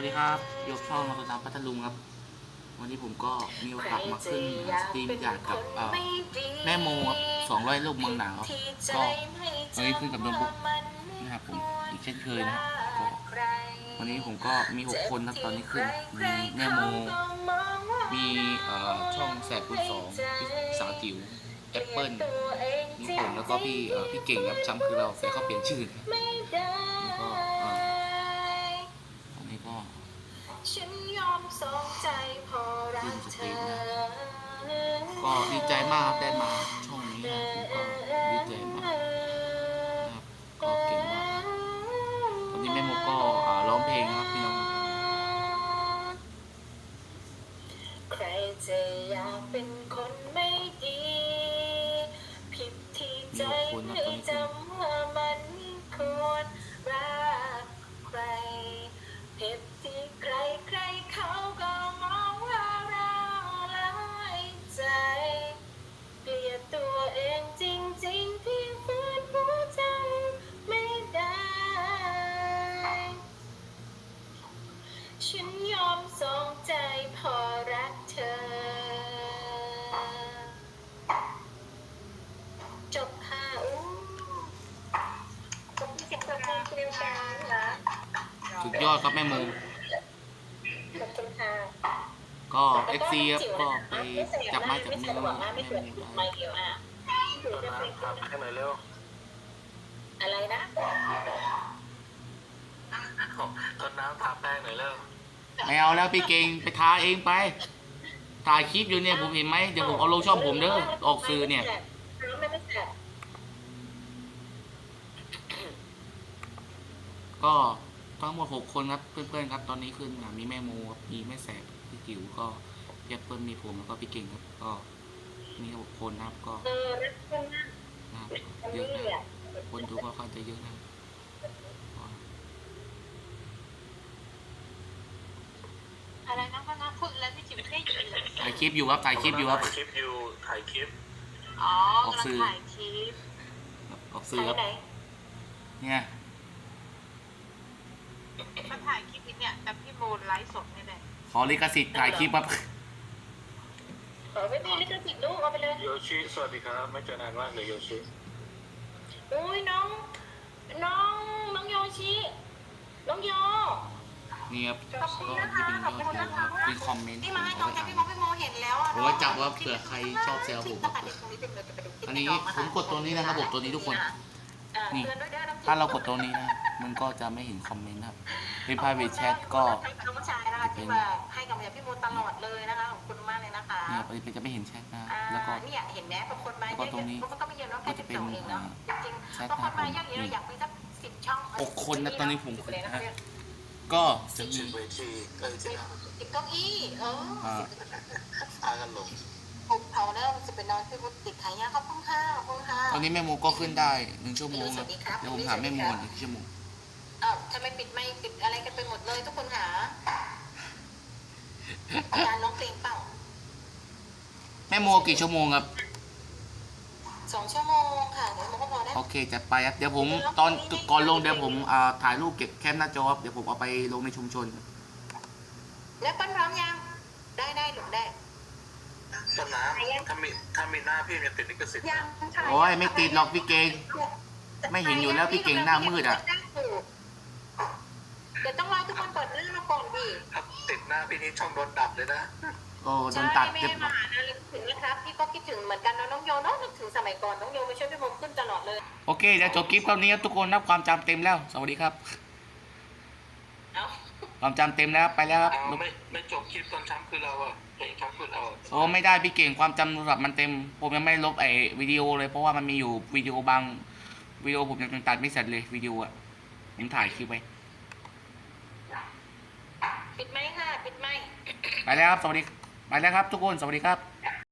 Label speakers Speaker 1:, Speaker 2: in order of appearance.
Speaker 1: ดีครับยกช่องมาตุนน้ำพัทลุงครับวันนี้ผมก็มีโอกาสมาขึ้นสตรีมจากกับแม่โมครับ200ลูกเมืองหนาวก็วันนี้ขึ้นกับโน้ตบุ๊กนะครับผมอีกเช่นเคยนะครับก็วันนี้ผมก็มี6คนครับตอนนี้ขึ้นมีแม่โมมีช่องแสบคูณ2พี่สาวจิ๋วแอปเปิลมีผมแล้วก็พี่เก่งครับช้ำคือเราแต่เขาเปลี่ยนชื่อแล้วก็อันนี้ก็
Speaker 2: ฉันยอมสองใจพอรักเธอ
Speaker 1: ก็ดีใจมากได้มาช่องนี้นะก็ดีใจมากนะครับก็เก่งมากตอนนี้แม่โมก็ร้องเพลงครับพี่น้อง
Speaker 2: ใครจะอยากเป็นคนไม่ดีผิดที่ใจไม่จำว่ามันควรรักใครผิดที่ใครเขาก็มองว่าเราละใจเกลียดตัวเองจริงๆที่ฝืนหัวใจไม่ได้ฉันยอมสองใจพอรักเธอจบค่ะจบที่เสียงเพลงเรียวกันเหรอ
Speaker 1: สุดยอดครับแม่โม
Speaker 2: ขอบคุณค่ะ
Speaker 1: ก็ FC ครับก็ไปจับไม้จับมือ
Speaker 2: ไม่สวยไม่เดียว
Speaker 3: ถามให้หน่อยเร็ว
Speaker 2: อะไรนะ
Speaker 3: ต้นน้ำถามแป้งหน่อยเร็ว
Speaker 1: ไม่เอาแล้วพี่เก่งไปทาเองไปถ่ายคลิปอยู่เนี่ยผมเห็นไหมเดี๋ยวผมเอาลงช่องผมเด้อออกสื่อเนี่ยก็ทั้งหมด6คนครับเพื่อนๆครับตอนนี้ขึ้นมีแม่โมมีแม่แสบพี่จิ๋วก็พี่เปิ้ลมีผมแล้วก็พี่เก่งครับก็มี6คนนะครับก็นะครับเยอะนะคนดูก็ค่อนจะเยอะนะ
Speaker 2: อะไรนะพ่อนะพูดแล้วพี่จิ๋วได้ยินเลย
Speaker 1: ถ่ายคลิปอยู่ครับถ่ายคลิปอยู่ครับ
Speaker 3: ถ่ายคลิปอยู่ถ่ายคลิป
Speaker 2: อ๋อถ่ายคลิป
Speaker 1: ออกสื่อครับเนี่ย
Speaker 2: มาถ่ายคลิปเนี่ยแต่พี่โมไลฟ์สดนี่แหละ
Speaker 1: ขอลิขสิทธิ์ถ่ายคลิปครับ
Speaker 2: ขอไม่มีลิขสิทธิ์ลูกเอาไปเลย
Speaker 3: โยชิสวัสดีครับไม่เจอนานมากเลยโยชิ
Speaker 2: อุ้ยน้องโยชิน้องโย
Speaker 1: นี่ครับก็ที่เป็นยอดวิวครับเป็นคอมเมนต์
Speaker 2: ที่มาให้น้องแกพี่โมเห็นแล้ว
Speaker 1: ผมก็จับว่าเผื่อใครชอบแซวผมอันนี้ผมกดตัวนี้นะระบบตัวนี้ทุกคนนี่ถ้าเรากดตัวนี้นะมันก็จะไม่เห็นคอมเมนต์ครับเป็น private chat ก็
Speaker 2: น้องชายนะคะที่มาให้กำลังใจพี่โมตลอดเลยนะคะขอบคุณมากเลยนะคะ
Speaker 1: เนี่ยจะไม่เห็นแชทนะแล้วก็
Speaker 2: เนี่ยเห็นไหมบางคนมาเยอะๆก็ไม่เยอะเนาะแค่12เองเนาะจริงๆบางคนมาเยอะๆอยากมีสัก10ช่อง
Speaker 1: 6คนนะตอนนี้ผมนะก็จะมี
Speaker 3: เวที
Speaker 2: 10เก้าอี้
Speaker 3: พากันลง
Speaker 2: เขาเริ่มจะเป็นนอนที่ติดขายยาขอบคุณค่ะ
Speaker 1: ตอนนี้แม่โมก็ขึ้นได้1 ชั่วโมงครับเดี๋ยวผมถามแม่โม1 ชั่วโมง
Speaker 2: ทำไมปิดไม่ปิดอะไรกันไปหมดเลยทุกคนหาการร้องเพลงเปล่า
Speaker 1: แม่โมกี่ชั่วโมงครับ
Speaker 2: 2 ชั่วโมงค่ะเดี๋ยวโมก็พอได้
Speaker 1: โอเคจัดไปครับเดี๋ยวผมตอนก่อนลงเดี๋ยวผมถ่ายรูปเก็บแคปหน้าจอครับเดี๋ยวผมเอาไปลงในชุมชน
Speaker 2: แล้วปั้นพร้อมยังได้หรือได้
Speaker 3: ต้นน้ำถ้ามีหน้าพี่จะติดลิขสิทธิ์
Speaker 1: โอ้ยไม่ติดหรอกพี่เก่งไม่เห็นอยู่แล้วพี่เก่งหน้ามืดอ่ะ
Speaker 2: เดี๋ยวต้องรอทุกคนเปิดหน้ามาก่อนดิ
Speaker 3: ติดหน้าพี่นี่ช่องโดนดับเลยนะ
Speaker 1: โอ้โดนตัด
Speaker 2: เจ็บมานะนึกถึงนะครับพี่ก็คิดถึงเหมือนกันน้องโยเนาะนึกถึงสมัยก่อนน้องโยมาช่วยพี่โมขึ้นตลอดเลย
Speaker 1: โอเคเดี๋ยวจบคลิปเท่านี้ครับทุกคนนับความจำเต็มแล้วสวัสดีครับความจำเต็มแล้วไปแล้วครับ
Speaker 3: ไม่จบคลิปตอนช้ำคือเราอะเพลงช้ำคือเรา
Speaker 1: โอ้ไม่ได้พี่เก่งความจำโทรศัพท์มันเต็มผมยังไม่ลบวิดีโอเลยเพราะว่ามันมีอยู่วิดีโอบางวิดีโอผมยังตัดไม่เสร็จเลยวิดีโออะผมถ่ายคลิปไว้
Speaker 2: ปิดไหมค่ะปิดไหม
Speaker 1: ไปแล้วครับสวัสดีไปแล้วครับทุกคนสวัสดีครับ